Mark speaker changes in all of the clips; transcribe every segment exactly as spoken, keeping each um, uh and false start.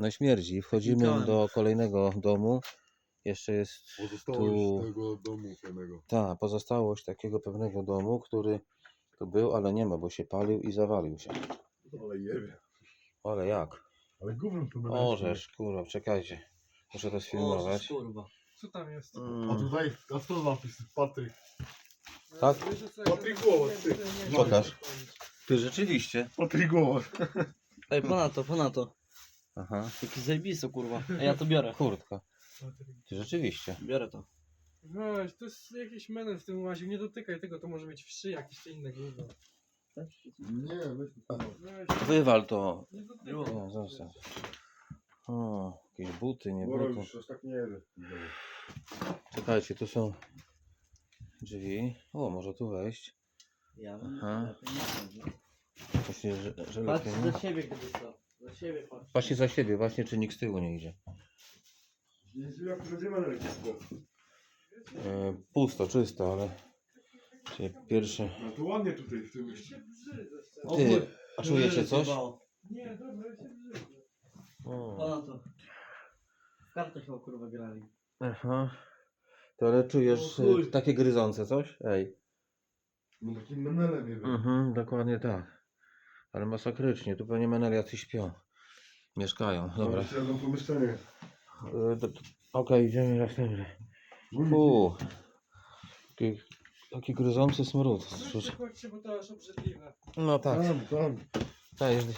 Speaker 1: No śmierdzi. Wchodzimy
Speaker 2: Znikałem.
Speaker 1: do kolejnego domu. Jeszcze jest
Speaker 3: Pozostałość
Speaker 1: tu...
Speaker 3: tego domu pewnego.
Speaker 1: Ta, pozostałość takiego pewnego domu, który tu był, ale nie ma, bo się palił i zawalił się.
Speaker 3: Ale jebie.
Speaker 1: Ale jak?
Speaker 3: Ale gównem to będę.
Speaker 1: Orzesz, kurwa, czekajcie. Muszę to
Speaker 2: O,
Speaker 1: sfilmować.
Speaker 2: kurwa.
Speaker 4: Co tam jest?
Speaker 3: A
Speaker 1: Mm.
Speaker 3: tutaj, a co napis? Patryk.
Speaker 1: Tak?
Speaker 3: Patryk Głowacz, ty.
Speaker 1: Pokaż. Ty rzeczywiście.
Speaker 3: Patryk Głowacz.
Speaker 2: Ej, ponadto, ponadto.
Speaker 1: Aha.
Speaker 2: Jaki zajebisto, kurwa. A ja to biorę.
Speaker 1: Kurtka. Ty rzeczywiście.
Speaker 2: Biorę to.
Speaker 4: Weź, to jest jakiś menel w tym łaziu, nie dotykaj tego, to może mieć wszy jakieś inne gówno.
Speaker 3: Nie, weź to.
Speaker 4: Weź,
Speaker 1: Wywal to.
Speaker 4: nie dotykaj.
Speaker 1: O, zostaw. O, jakieś buty, nie
Speaker 3: Boro
Speaker 1: buty.
Speaker 3: już aż tak nie jebie.
Speaker 1: Czekajcie, tu są drzwi. O, może tu wejść.
Speaker 2: Ja
Speaker 1: Aha.
Speaker 2: bym
Speaker 1: Właśnie, że, że
Speaker 2: Patrz
Speaker 1: lepiej nie.
Speaker 2: za siebie, gdyby co. Za siebie patrz.
Speaker 1: Właśnie za siebie, właśnie czy nikt z tyłu nie idzie.
Speaker 3: Jak będziemy na rękę.
Speaker 1: E, pusto, czysto, ale... Czyli pierwszy...
Speaker 3: No to ładnie tutaj w tym mieście.
Speaker 1: Ty, a czujecie coś?
Speaker 4: Nie, dobra, ja się brzydzę.
Speaker 1: O.
Speaker 2: Ponadto. W kartę chyba, kurwa, grali.
Speaker 1: Aha. To ale czujesz
Speaker 2: O chuj.
Speaker 1: e, takie gryzące coś? Ej.
Speaker 3: No takim menelem jebie.
Speaker 1: Mhm, dokładnie tak. Ale masakrycznie, tu pewnie menel jacyś śpią. Mieszkają, dobra.
Speaker 3: Jeszcze jedno pomieszczenie.
Speaker 1: E, to- to- Okej, idziemy następny. Uuu. Taki, taki gryzący smród.
Speaker 4: Weź się chodźcie, bo to aż obrzydliwe.
Speaker 1: No tak.
Speaker 3: Tam, tam.
Speaker 1: Tak, jest.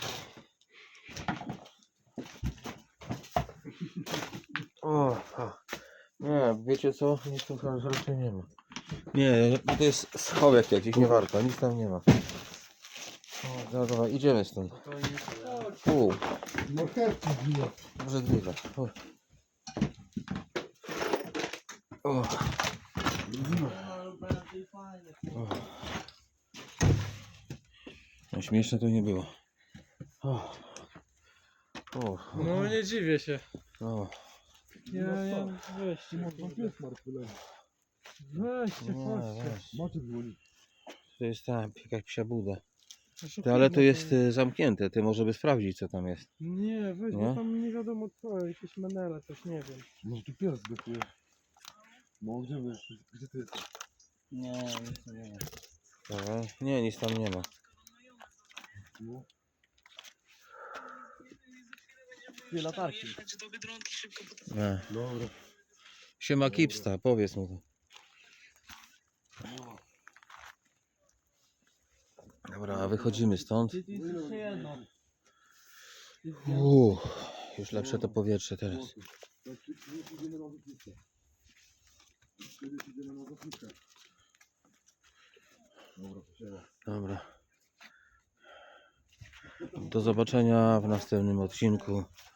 Speaker 1: O, a. Nie, wiecie co? Nic tu chyba raczej nie ma. Nie, to jest schowek jakiś, nie warto, nic tam nie ma. O, dobra, dobra, idziemy stąd.
Speaker 4: To nie chodź.
Speaker 1: Pół,
Speaker 3: Marchewki zbiła.
Speaker 1: obrzydliwe. O. O. O. No, śmieszne to nie było. O. O.
Speaker 4: No nie dziwię się.
Speaker 1: O.
Speaker 4: Ja, ja, weźcie,
Speaker 3: Można pies martwy leży.
Speaker 4: weźcie,
Speaker 1: Nie,
Speaker 4: chodźcie.
Speaker 1: weź.
Speaker 3: Macie dzwonić.
Speaker 1: To jest tam jakaś psia buda.
Speaker 4: Proszę
Speaker 1: Ty, ale to
Speaker 4: pana,
Speaker 1: jest y, zamknięte, ty może by sprawdzić co tam jest.
Speaker 4: Nie, weź,
Speaker 1: Nie?
Speaker 4: bo tam nie wiadomo co, jakieś menele, coś nie wiem.
Speaker 3: Może tu pies zdechuje. No gdzie wy? Gdzie ty jesteś?
Speaker 2: Nie, nic nie wiem.
Speaker 1: Dobra. Nie, nic tam nie ma.
Speaker 3: No.
Speaker 2: Dwie latarki.
Speaker 1: Nie.
Speaker 3: Dobra.
Speaker 1: Siema Kipsta, powiedz mu to. Dobra, wychodzimy stąd.
Speaker 2: Ty, ty jest jeszcze jedno.
Speaker 1: Uuu, już lepsze to powietrze teraz.
Speaker 3: Idziemy na lotnisko. Kiedyś idziemy na lotnisko. Dobra, posiada.
Speaker 1: Dobra. Do zobaczenia w następnym odcinku.